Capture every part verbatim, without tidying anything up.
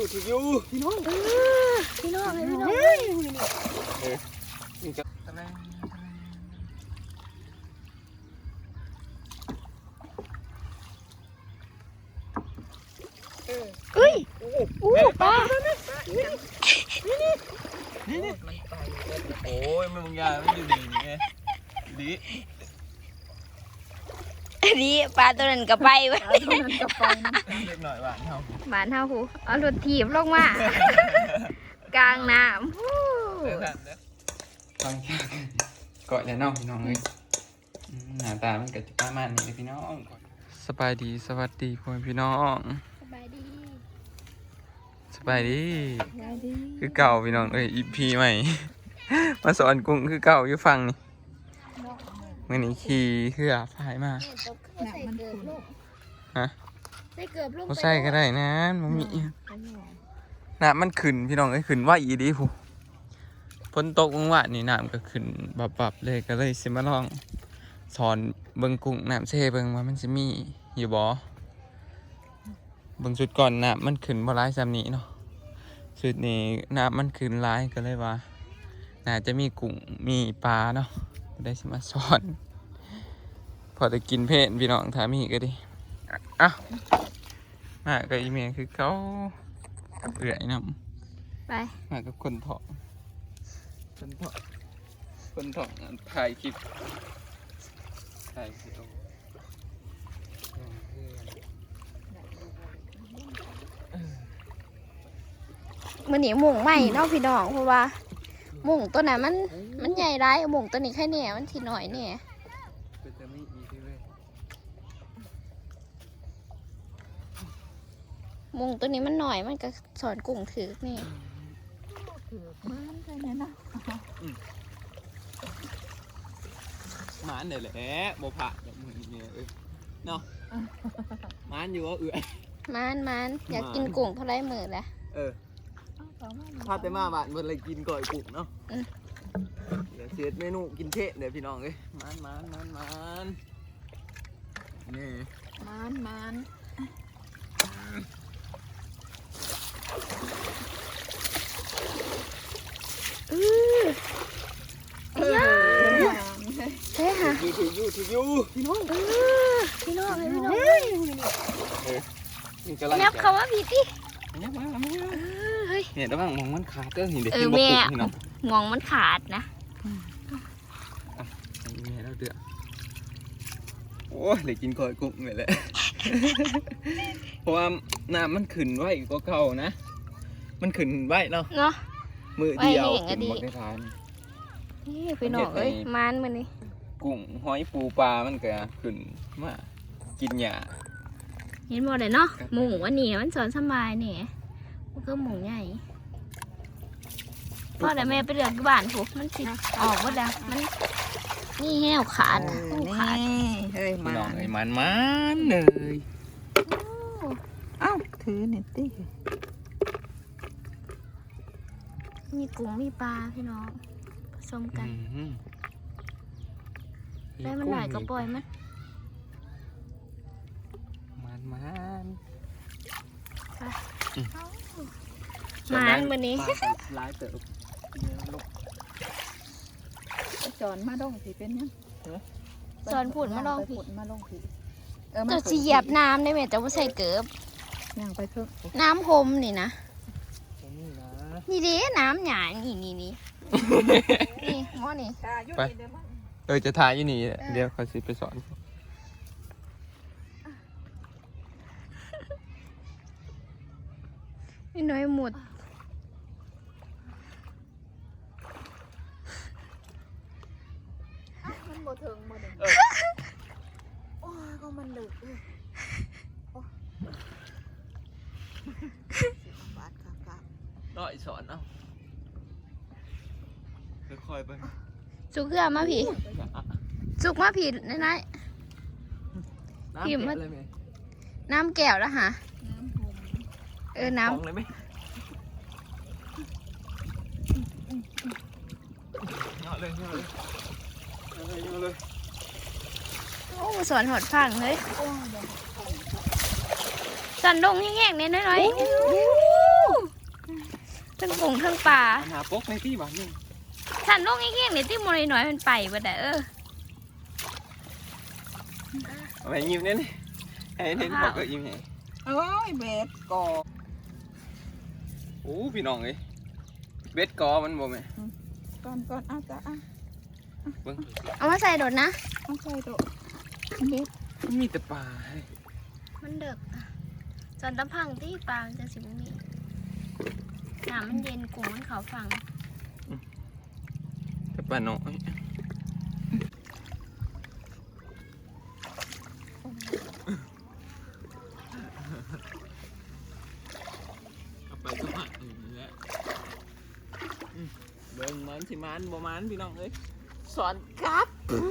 ถืออยู่พี่น้องพี่น้องเลยพี่น้องเออนี่จะตะแลงเอ้ยอู้ปลานี่นี่โอ้ยมึงยาไม่อยู่ดีนี่ไงดีอันนี้ปลาตัวนั้นก็ไปไว้ตัวนั้นก็ไปเล็กหน่อยหวานเท่าหวานเท่าหูเอารถถีบลงมากลางน้ำฟังเกาะแล้วน้องพี่น้องเลยหน้าตามันก็จะประมาณนี้เลยพี่น้องสบายดีสวัสดีพ่อพี่น้องสบายดีสบายดีคือเก่าพี่น้องเอ้ยอีพีใหม่มาสอนกุ้งคือเก่าอยู่ฟังนี่มื่อนี้ขี่เรือพายมาฮะเขาใส่ก็ได้นะมันมีน้ำมันขึ้นพี่น้องเอ้ยขึ้นว่าอีดีผู้ฝนตกเมื่อวานนี่น้ำก็ขึ้นบับๆเลยก็เลยสิมาลองสอนเบิ่งกุ้งน้ำเซ่เบิ่งว่ามันจะมีอยู่บ่เบิ่งสุดก่อนน้ำมันขึ้นบ่ร้ายซ้ำนี้เนาะสุดนี้น้ำมันขึ้นร้ายก็เลยว่าน่าจะมีกุ้งมีปลาเนาะได้สิมาสอนพอจะกินเพนพี่น้องถามมีก็ดิอ่ะมากับอีเมลคือเขาเอื่อยน้ำไปมากับคนถอคนถอคนถอถ่ายคลิปถ่ายคลิปมันหนีหมุ่งใหม่เนาะพี่น้องเพราะว่าหมุ่งตัวไหนมันมันใหญ่ร้ายหมุ่งตัวนี้แค่เนี่ยมันทีหน่อยเนี่ยมุงตัวนี้มันหน่อยมันก็สอนกุ้งถือนี่ถือมันใช่ไหมนะมันเนี่ยแหละโมผ่าอย่างมึงเนี่ยเอ้ยเนาะมันอยู่ว่าเอื่อยมันมันอยากกินกุ้งเท่าไรมือแหละเออพาไปมาบ้านเมื่อไรกินก่อยกุ้งเนาะเดี๋ยวเสียเมนูกินเทะเดี๋ยวพี่น้องเอ้ยมันมันมันมันนี่มันมันอือเฮ้ยเฮ้ยค่ะถือถืออยู่ถืออยู่พี่น้องเออพี่น้องเลยพี่น้องเฮ้ยนับเขาว่าพี่ดิเนี่ยมาเฮ้ยเนี่ยระวังมองมันขาดเด้อเห็นเด็กเออแม่มองมันขาดนะแม่เราเดือดโอ้ยเลยกินก่อยกุ้งเลยแหละเพราะว่าน้ำมันขึ้นไว้ก็เก่านะมันขึ้นไว้เนาะเนาะมือเดียวขึ้นหมดในทานนี่พี่น้องเอ้ยมันมันนี่กุ้งหอยปูปลามันก็ขึ้นมากินหญ้าเห็นหมดเลยเนาะหมูอันนี้มันสอนสบายนี่มันก็หมูใหญ่พ่อแต่แม่ไปเลือกบ้านถูกมันสิออกว่าดังมันนี่แห้วขาดขาดเฮ้ยมันเอ้ยมันมันเลยเอ้าถือเน็ตตี้มีกุ้งมีปลาพี่น้องผสมกันได้มันหลายก็ปล่อยมันมันมันมันวันนี้ลายเติบจอนมาดองผีเป็นยังจอนผุดมาดองผีมาดองผีจะเหยียบน้ำได้ไหมแต่ว่าใส่เกือบย่างไปเพิ่มน้ำพรมนี่นะนี่ดิน้ำหยานี่นี่นี่นี่หม้อนี่ไปเออจะถ่ายอยู่นี่เดี๋ยวเขาสิไปสอนนี่น้อยหมดมันโมถึงโมถึงโอ้ยก็มันดึกน้อยสอนเอาค่อยๆไปสุกเกลือมาผีสุกมาผีน้อยๆผีมาน้ำแก้วแล้วฮะเออน้ำเลยไหมเงาะเลยเงาะเลยเงาะเลยเงาะเลยโอ้สอนหดฟังเลยสันลงแห้งๆเนี่ยน้อยๆทั้งกุ้งทั้งปลาหาปกในที่บ้านนี่ฉันลงอีกแค่นี่ที่มวยน้อยมันไปบ่ได้เออเอาไปยิ้มเนี่ยนี่ไอ้เห็นบอกก็ยิ้มไงเอ้ยเบ็ดก่อโอ้พี่น้องเอ้ยเบ็ดกอมันบ่แม่ก่อนก่อนเอาจ้ะอ่ะเบิ่งเอามาใส่โดดนะเอาใส่โตะเบ็ดมันมีแต่ปลาให้มันเด็กจนตะพังที่ปลามันจะสิบมีน้ำมันเย็นกุ้งมันเขาฟังแต่ปลาน้อยเอาไปก็มาอย่างนี้แหละอืมเบิ่งมันสิมันบ่มันพี่น้องเอ้ยสอนครับ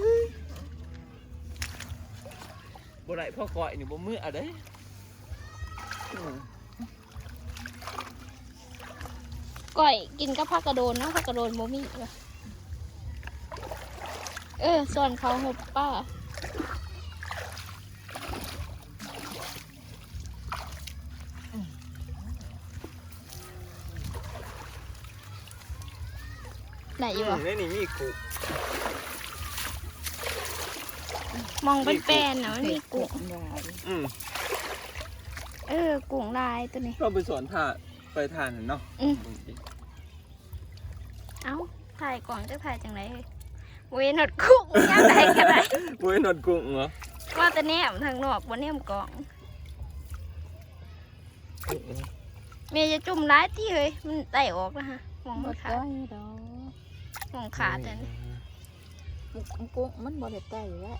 บ่ได้พ่อก่อยนี่บ่มืออะเด้อืมก่อยกินกับผักกระโดนเนาะผักกระโดนโมมี่ว่ะเออส่วนเขาหบป้าไหนอยู่อ่ะในนี่มีกุมองเป็นแป้นๆนะมันมีกุ้งได้อืมเออกุ้งลายตัวนี้เราไปสอนท่าไปทานเนาะอืม เอ้าถ่ายกล่องจะถ่ายจังไรเวยหนดกุ้งย่างไรกันไรเว้ยนวดกุ้งเหรอว่าแต่แนมทางนอกบนแนมกล่องเมย์จะจุ่มร้ายที่เฮ้ยมันไต่ออกนะฮะมองบ่มันขาได้ดดอกมองขาดแต่นี่กุ้งกุ้งมันบ่ได้ใต้อยู่แล้ว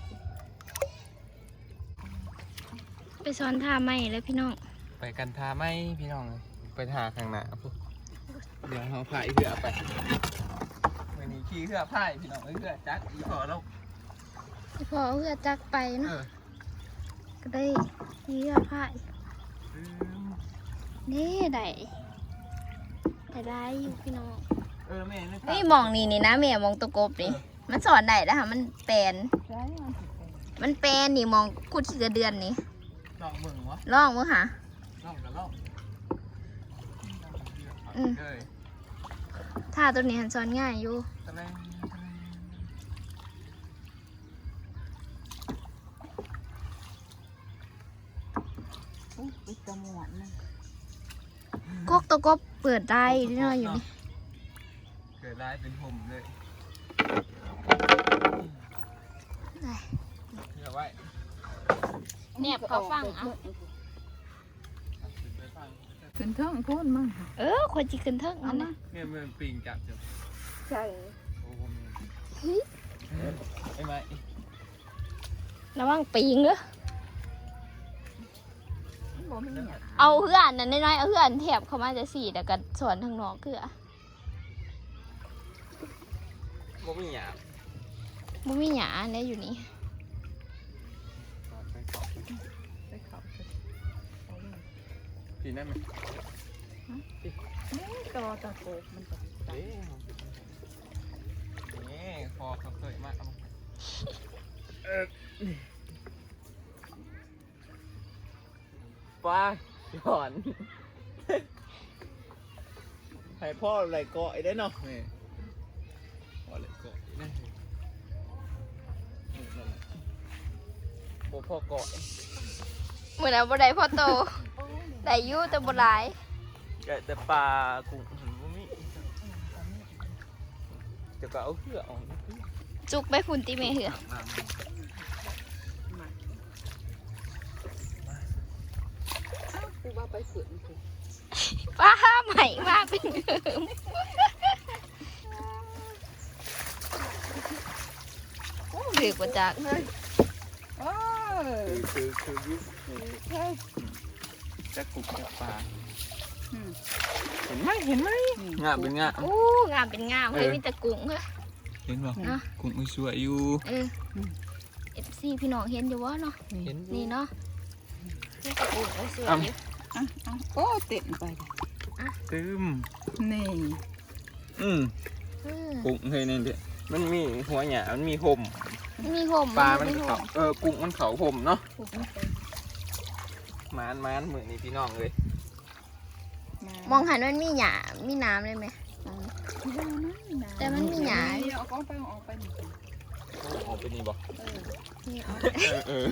ไปซ้อนท่าไม่เลยพี่น้องไปกันทาไหมพี่น้องไปทาข้างหน้าปุ๊บเดี๋ยวเราพายเรือไปวันนี้ขี่เรือพายพี่น้องเอ้ยเรือจักอีพอแล้วพอเพื่อจักไปเอเนาะอก็ได้นี่เรือพายอืมนี่ได้ได้ได้อยู่พี่น้องเออแม่นึกเฮ้ยมองนี่นี่นะเมียมองตะกบนี่มันสอนได้แล้วค่ะมันแปลนใช่มันสิเป็นมันแปลนนี่มองกุดขี้กระเดือนนี่ลองเบิ่งวะลองมั้งค่ะลองกันลองอืมเอ้ยท่าตัวนี้หันสอนง่ายอยู่ตะแลงตะแลงอุ้ยไปจมูกมันกกตะกบเปิดได้ด้วยเนาะอยู่นี่เกิดร้ายเป็นผมเลยได้เดี๋ยวไว้แนบเขาฟังเอาไปฟังขึ้นเทิงพูนมั้งเออคนจีขึ้นเทิงเอาอันมานะเนี่ยมันปิงจับจับใช่โอ้โหไอ้ไม้ระวังปีงเด้อบ่มีหยังเอาเพื่อนนั่นน้อยๆเอาเพื่อนแถบเข้ามาจะสี่แต่กันสอนทางนอกคืออะบ่มีหยาบบ่มีหยาเนี่ยอยู่นี่ไปขอบไปเข้าไปเอาเลยทีนั่นไหมนี่ต่อตะโกบมันก็เอ๊ะนี่คอเขาเคยมากเอาเออไปหย่อนให้พ่อไหลเกาะได้เนาะนี่พ่อไหลเกาะนะนี่นั่นแหละโอ้พ่อเกาะเหมือนเอาบ่ได้พ่อโตได้อยู่แต่บ่หลายแกะแต่ปลากุ้งหันบ่มีจะก็เอาเพื่อออกจุกไปฝุ่นตีเมเหืออ้าวกูว่าไปขึ้นกูป้าใหม่มากเป็นเดิมโอ้เดือกว่าจากโอ้ยคือคือคือยุบเฮ้ยจะกุกจะปลาอืมเห็นไหมเห็นไหมงาเป็นงาโอ้งามเป็นงามเฮ้ยมีแต่กุ้งเหรอเห็นป่ะเนาะกุ้งมันสวยอยู่เออเอฟซีพี่น้องเห็นอยู่วะเนาะเห็นนี่เนาะมีแต่กุ้งสวยอยู่อ่ะอ่ะโอ้เต็มไปตึมนี่อืมเออกุ้งเฮ้ยนี่เด็มันมีหัวหยามันมีห่มมีห่มปลามันมีห่เขามเออกุ้งมันเขาห่มเนาะถูกมันไปมานมานเหมือนนี่พี่น้องเลยมามองหันมันมีหญ้ามีน้ำเลยไหมแต่มันมีหญ้าเอากล้องไปออกไปนี่ออกไปนี่บอกเออนี่เอาเออเออ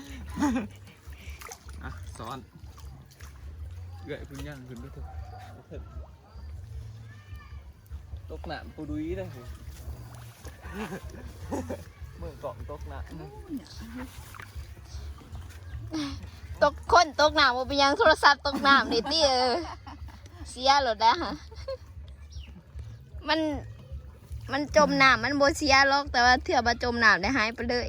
อ่ะซ้อนเกยพึ่งย่างขึ้นไปเถอะตกหนามปูดุยได้เลยเมื่อก่อนตกหนามตกคนตกน้ำบ่เป็นหยังโทรศัพท์ตกน้ำนี่ติเออเสียหลดแล้วฮะมันมันจมน้ำมันบ่เสียหรอกแต่ว่าเถื่อบ่จมน้ำได้หายไปเลย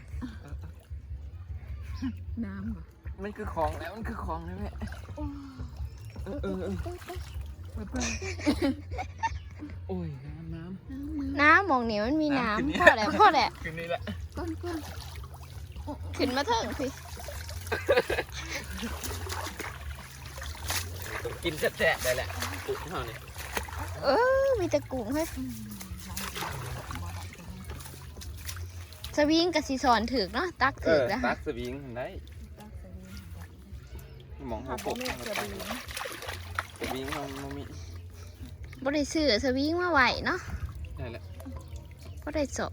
น้ำบ่มันคือของแล้วมันคือของแล้วแม่เออเออเออไปไปโอ้ยน้ำน้น้ำหมองนี่มันมีน้ำพอแหละพอแหละำคืนนี้แหละก้อนก้อนขึ้นมาเถิงพี่ต้องกินแฉะๆได้แหละปุ๊บเท่านี้เออมีแต่กุ้งเฮ้ยสวิงกับสีสอนถึกเนาะตักเอถึกอแล้วตัฮะกสวิงได้หมองหัวกบสวิงมันมันมีบ่ได้ซื้อสวิงมาไหวเนาะได้แหละบ่ได้สอน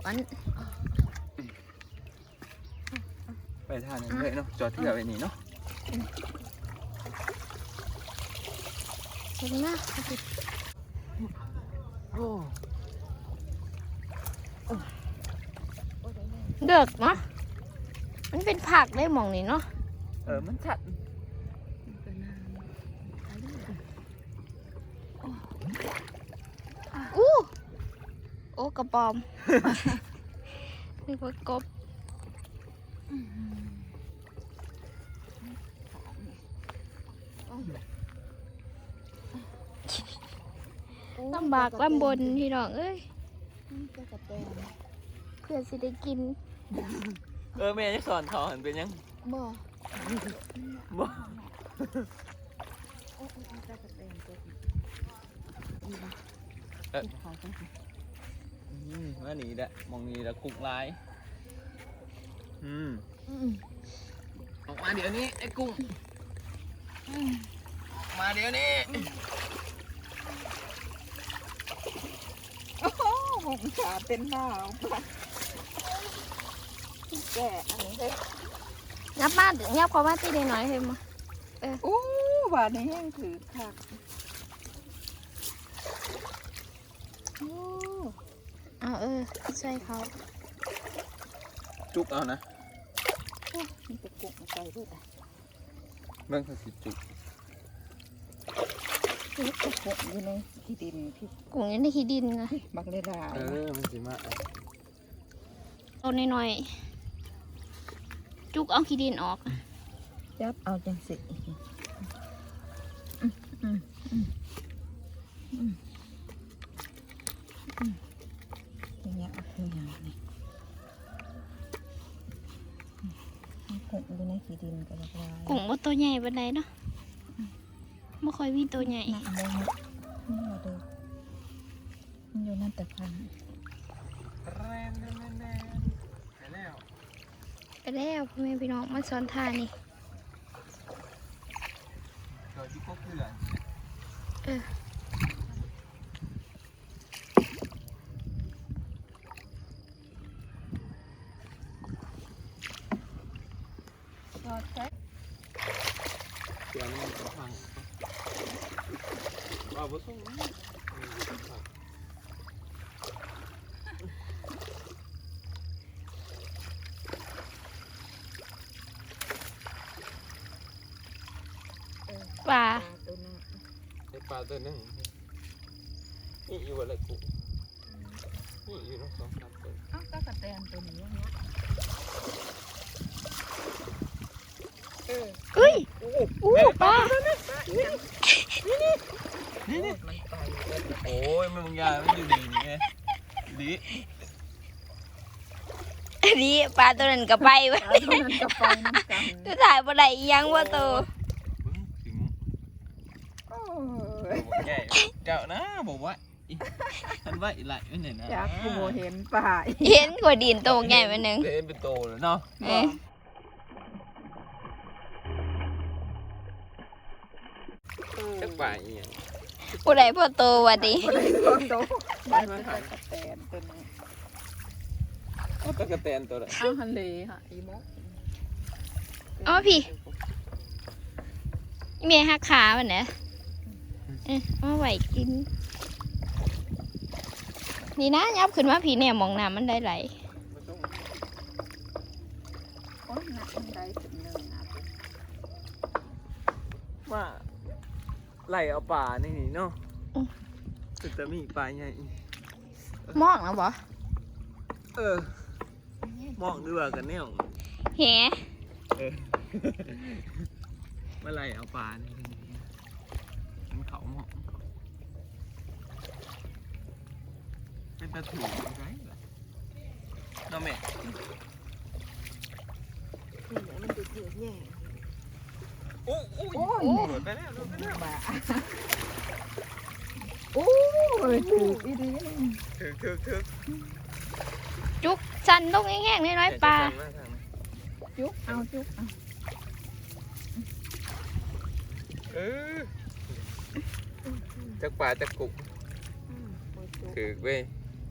ไปทานนั่นเลยเนาะจอดเที่ยวไปนี่เนาะเห็นไหมโอ้เดือกเนาะมันเป็นผักได้หมองนี่เนาะเออมันชัดอู้โอ้กระปอม นึกว่ากบลำบากลำบนพี่น้องเอ้ยเพื่อสิได้กินเออแม่จะสอนทอหันเป็นยังบ่บ่เอออืมว่านี่แหละมองนี่แหละกุกลายอืมออกมาเดี๋ยวนี้ไอ้กุ้งออกมาเดี๋ยวนี้โอ้โหผมขาเป็นหน้าแก่อันนี้เลยงับมางับเขามาตีได้หน่อยเฮ้ยมาโอ้บาดนี้แห้งถือคักโอ้เอาเออใส่เขาจุกเอานะมันจะกุกใส่ด้วยเรื่องเขาสิจุกที่จะกุกอยู่ในที่ดินที่กุ้งอยังได้ขี้ดินนะบักเลดาเออมันสิมาเอาหน่อยๆจุกเอาขี้ดินออกจับเอาจังสิอย่างเงี้ยเอาตัวอย่างนี่กุกอยู่ในที่ดินก็บักลายกุ้งว่าตัวใหญ่ปานใดเนาะไม่ค่อยมีตัวใหญ่หนักเลยนะนี่เราดูมันอยู่นั่นแต่พันแรงแน่แน่ไปแล้วไปแล้วพ่อแม่พี่น้องมาสอนท่านี่เกิดที่พวกเพื่อนเออรอแท็กเดี๋ยวมันจะพังเอาไปส่งนะปลาตัวนั้นไอ้ปลาตัวนึงนี่อยู่อะไรกูนี่อยู่ทั้งสองสามตัวอ้าวก็กระแตนตัวนี้เนาะเออเอ้ยอู้ปลานี่นี่มันไปโอ้ยมันบางอย่างมันอยู่ดีนี่ไงดีอันนี้ปลาตัวนั้นก็ไปเว้ยตัวนั้นก็ไปน้ำกันตัวถ่ายบ่ได้อีหยังว่าตัวบึ้งถึงโอ้ตัยวใหญ่เจ้านะบอกว่าท่านว่าอีไหลไม่เห็นนะจากกูโมเห็นป่าเห็นกว่าดินตัวใหญ่มาหนึ่งเล่นเป็นโตเลยเนาะเออจะจากป่าอีหยังผู้ใดพ่อโตวะดิบ้านเป็นตะกะแตนตัวนี้เอาตะกะแตนตัวละข้าวทะเลค่ะอีโมกเอามาพี่เมียหักขาวันเนี่ยเอ้ยมาไหวกิน นี่นะยับขึ้นมาพี่เนี่ยมองน้ำมันได้ไหลโอ้ยหนักมันได้ถึงหนึ่งนะว่าไหลเอาป่านี่นี่เนาะแต่จะมีป่าใหญ่มองแล้วบ่เออมองด้วยกันเนี่ยแหเออมาไหลเอาป่านี่มันเขาหมองเป็นตะถูไรล่ะน้องแม่มันจะเถื่อนแย่โอ้โอ้โอ้โดดไปแล้วโดดไปแล้วบ้าโอ้ยถูกอีดีถึกถึกถึกจุกสันต้องแห้งๆน้อยๆปลาจุกเอาจุกเอาเออจักป่าจักกุกถึกเว้ย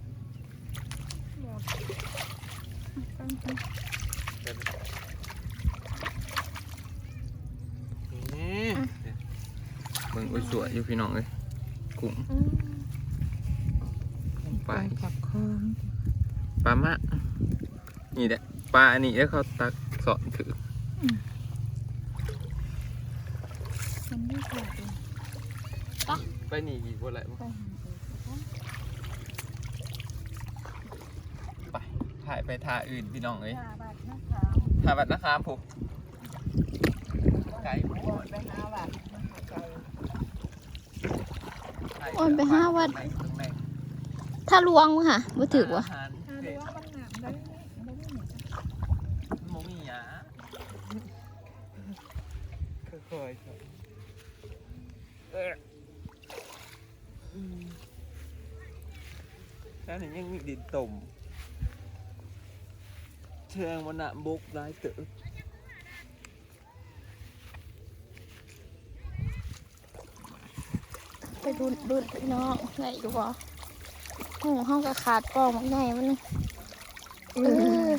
นี่เบิ่งอุ้ยสวยอยู่พี่น้องเลยกุ้งปลาขับคองปลามะนี่แหละปลาอันนี้แล้วเขาตักสอนถือมันไม่ขาดเลยไปหนีอีกว่าอะไรไปถ่ายไปท่าอื่นพี่น้องเลยห้าบาทนะคะท่าบัดนะครับผมไกลโอนไปห้าบาทไกลโอนไปห้าวัด ถ้าลวงมั้งค่ะบ่ถือวะถ้าดูว่ามันหนักได้ได้ไม่เหมือนกันโมมีหยาค่อยๆเออแล้วนี่ยังมีดินต่มเชิงวันน่ะบกได้เต๋อไปดูดูพี่น้องไหนอยู่บ่โอ้ห้องก็ขาดปองมันใหญ่มันเออ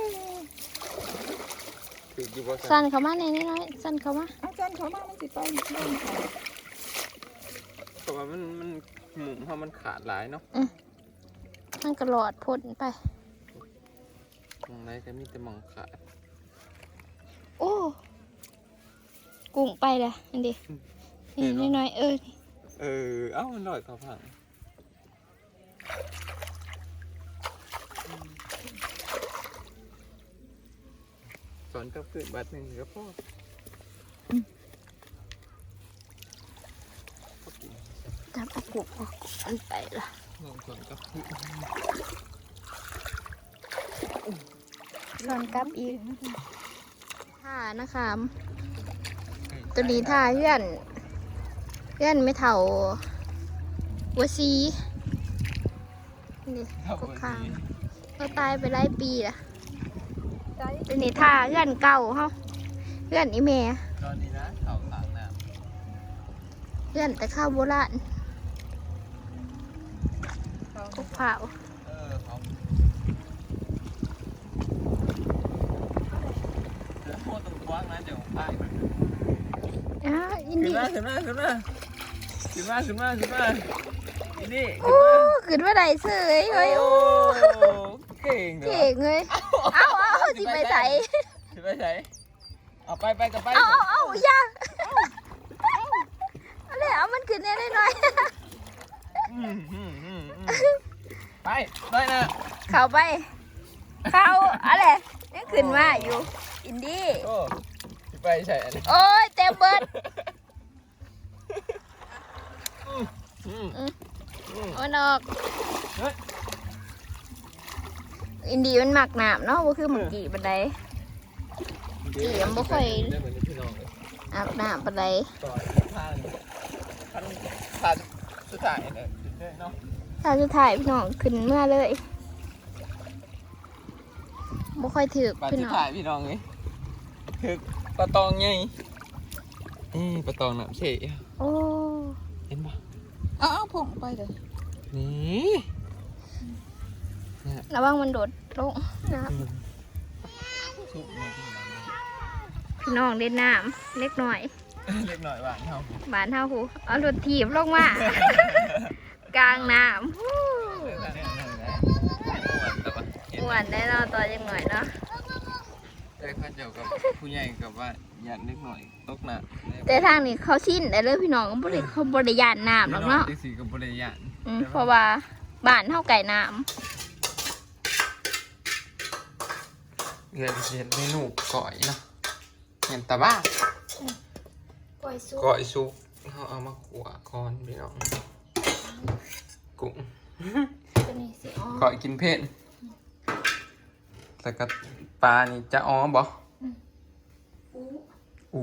ถืออยู่บ่สั่นเข้ามาในนี้น้อยสั่นเข้ามาอาจารย์เขามามันสิไปเล่นเขาเพราะว่ามันมันหมุนเพราะมันขาดหลายเนาะมันกระหลอดพ่นไปมองไหนก็มีแต่มองขาดโอ้กุ้งไปเลยอันดินี่น้อยๆเออเออเอ้ามันลอยเขาผังสอนกับขึ้นบัดหนึ่งก็พอจับเอากุ้งออกมันไปละลองสอนกับขึ้นสอนกลับอีกท่านะคะตัวนี้ท่าเพื่อนเพื่อนไม่เท่าวัวซีนี่ก็ข้างเราตายไปหลายปีละตัวนี้ท่าเพื่อนเก่าเฮาเพื่อนอีเมย์ตอนนี้นะเขาขางน้เพื่อนแต่ข้าวโบราณกุกเผาำเออเขาเดี๋ยวโคตรตรงกว้างนะเดี๋ยวไปอ่าอินขึ้นดี้มาขึ้นมาขึ้นมาขึ้นมาขึ้นมาขึ้นมาอินดี้โอ้ขึ้นว่าใดเสยเฮ้ยโอ้เก่งเหรอเก่งเลยเอาเอาสิไปใส่สิไปใส่เอาไปไปกับไปเอาเอาเอาอย่าเอาเลยเอามันขึ้นแน่หน่อยอืมอืมอืมอืมไปได้นะๆเข้าไปเข้าอะไรยังขึ้นมาอยู่ อินดี้โอ้สิไปใส่อันนี้โอ้ยเต็มเบิดอืมอืมอืมเอามันออกอินดี้มันหมักหนามเนาะว่าคือหมักกี่บันได อี๋มันบ่ค่อยได้เหมือนพี่น้องเลยอาบน้ำบันไดต่อทางทางทางสุดท้ายเนี่ยถึงได้เนาะถ้าสุดท้ายพี่น้องขึ้นเมื่อเลยบ่ค่อยถือปลาพี่สุดน้องท้ายพี่น้องเลยคือปลาตองไงนี่ปลาตองน้ำเฉยโอ้ยเห็นปะเอาเอาผงไปเลยนี่เนี่ยระวังมันโดดลงนะซุปมาที่หลังพี่น้องเล่นน้ำเล็กหน่อยเล็กหน่อยหวานเท่าบานเท่าหูเอารถถีบลงมา กลางน้ำฮู้อ้วนได้เนาะตัวยังหน่อยเนาะแต่ข้าเจ้ากับผู้ใหญ่กับว่าอยากเล็กหน่อยตกหนักแต่ทางนี้เขาชินได้เลยพี่น้องบริเขาบริยานน้ำหรอกเนาะที่สี่กับบริยานอืมเพราะว่าบ้านเท่าไก่น้เรียนเรียนเมนูก่อยเนาะเห็นตาบ้าำก้อยซุปก่อยซุปเขาเอามาขัวก่อนพี่น้องกุ้งตัวนี้สิอ๋อก่อยกินเผ็ดแล้วก็ปลานี่จะอ๋อบ่อู้อู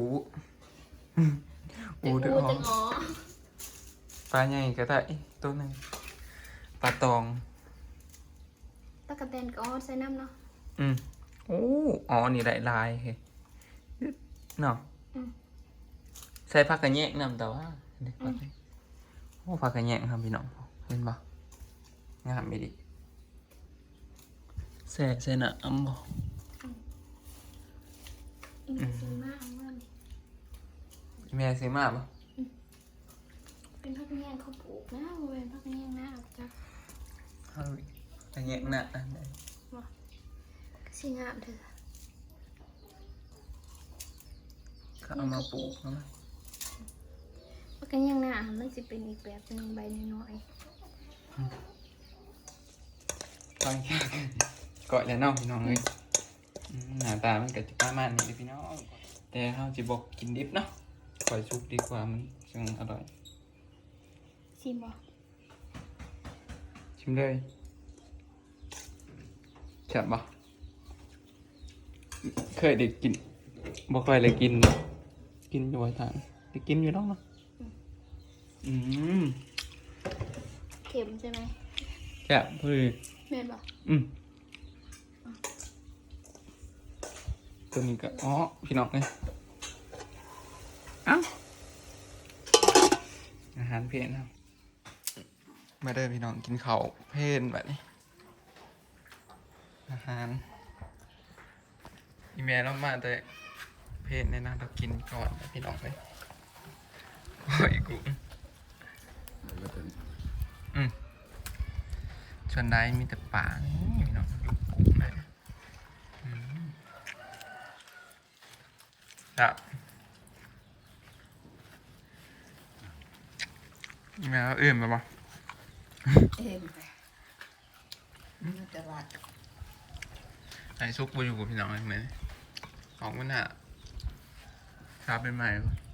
อูอูเด้อจังอ๋อปลาใหญ่ก็ได้ตัวหนึ่งปลาตองตะกะแตนก็อ๋อใส่น้ำเนาะอืมโอ้อ๋อนี่ได้ลายเฮ้ยเนาะอืมใส่ผักกระแยงนำแต่ว่าเด็กผักกระแยงโอ้ผักกระแยงครับพี่น้องเห็นปะงามไม่ดีใส่ใส่หน้าอ้ำบ่อีกสิมาเอาเงินแม่ซื้อมาปะเป็นพักแยงเขาปลูกนะบ่เป็นพักแยงนะจ้ะเอากระแยงหน้าอันใดสิงามเถอะเขาเอามาปลูกเนาะพักแยงนะมันจะเป็นอีกแบบหนึงใบน้อยก่อยก่อยแล้วเน้องพี่น้องเลยอืมหน้าตามันก็จะประมาณนี้เลยพี่น้องแต่เขาจะบอกกินดิบเนาะก่อยสุกดีกว่ามันจึงอร่อยๆชิมบ่ชิมเลยแซ่บปะเคยได้กินบ่เคยเลยกิน กินอยู่บ่อยทางได้กินอยู่แล้วเนาะอืมเค็มใช่ไหมแซ่บพอดีแม่นบ่อืมตัวนี้ก็อ๋อพี่น้องเลยเอ้าอาหารเพลนครับมาเด้อพี่น้องกินข้าวเพลนแบบนี้อาหารอีเมลเรามาแต่เพลนเนี่ยนะเรากินก่อนนะพี่น้องเลยโอ้ยกูอืมชวนได้มีแต่ป่านี่พี่น้องอยู่กุ้งเลยอืมครับอีเมลเราเอื่นไปปะเอ็มไปมันจะรัดไอ้ซุกไปอยู่กับพี่น้องเห็นไหมออกมันหะครับเป็นใหม่ปะ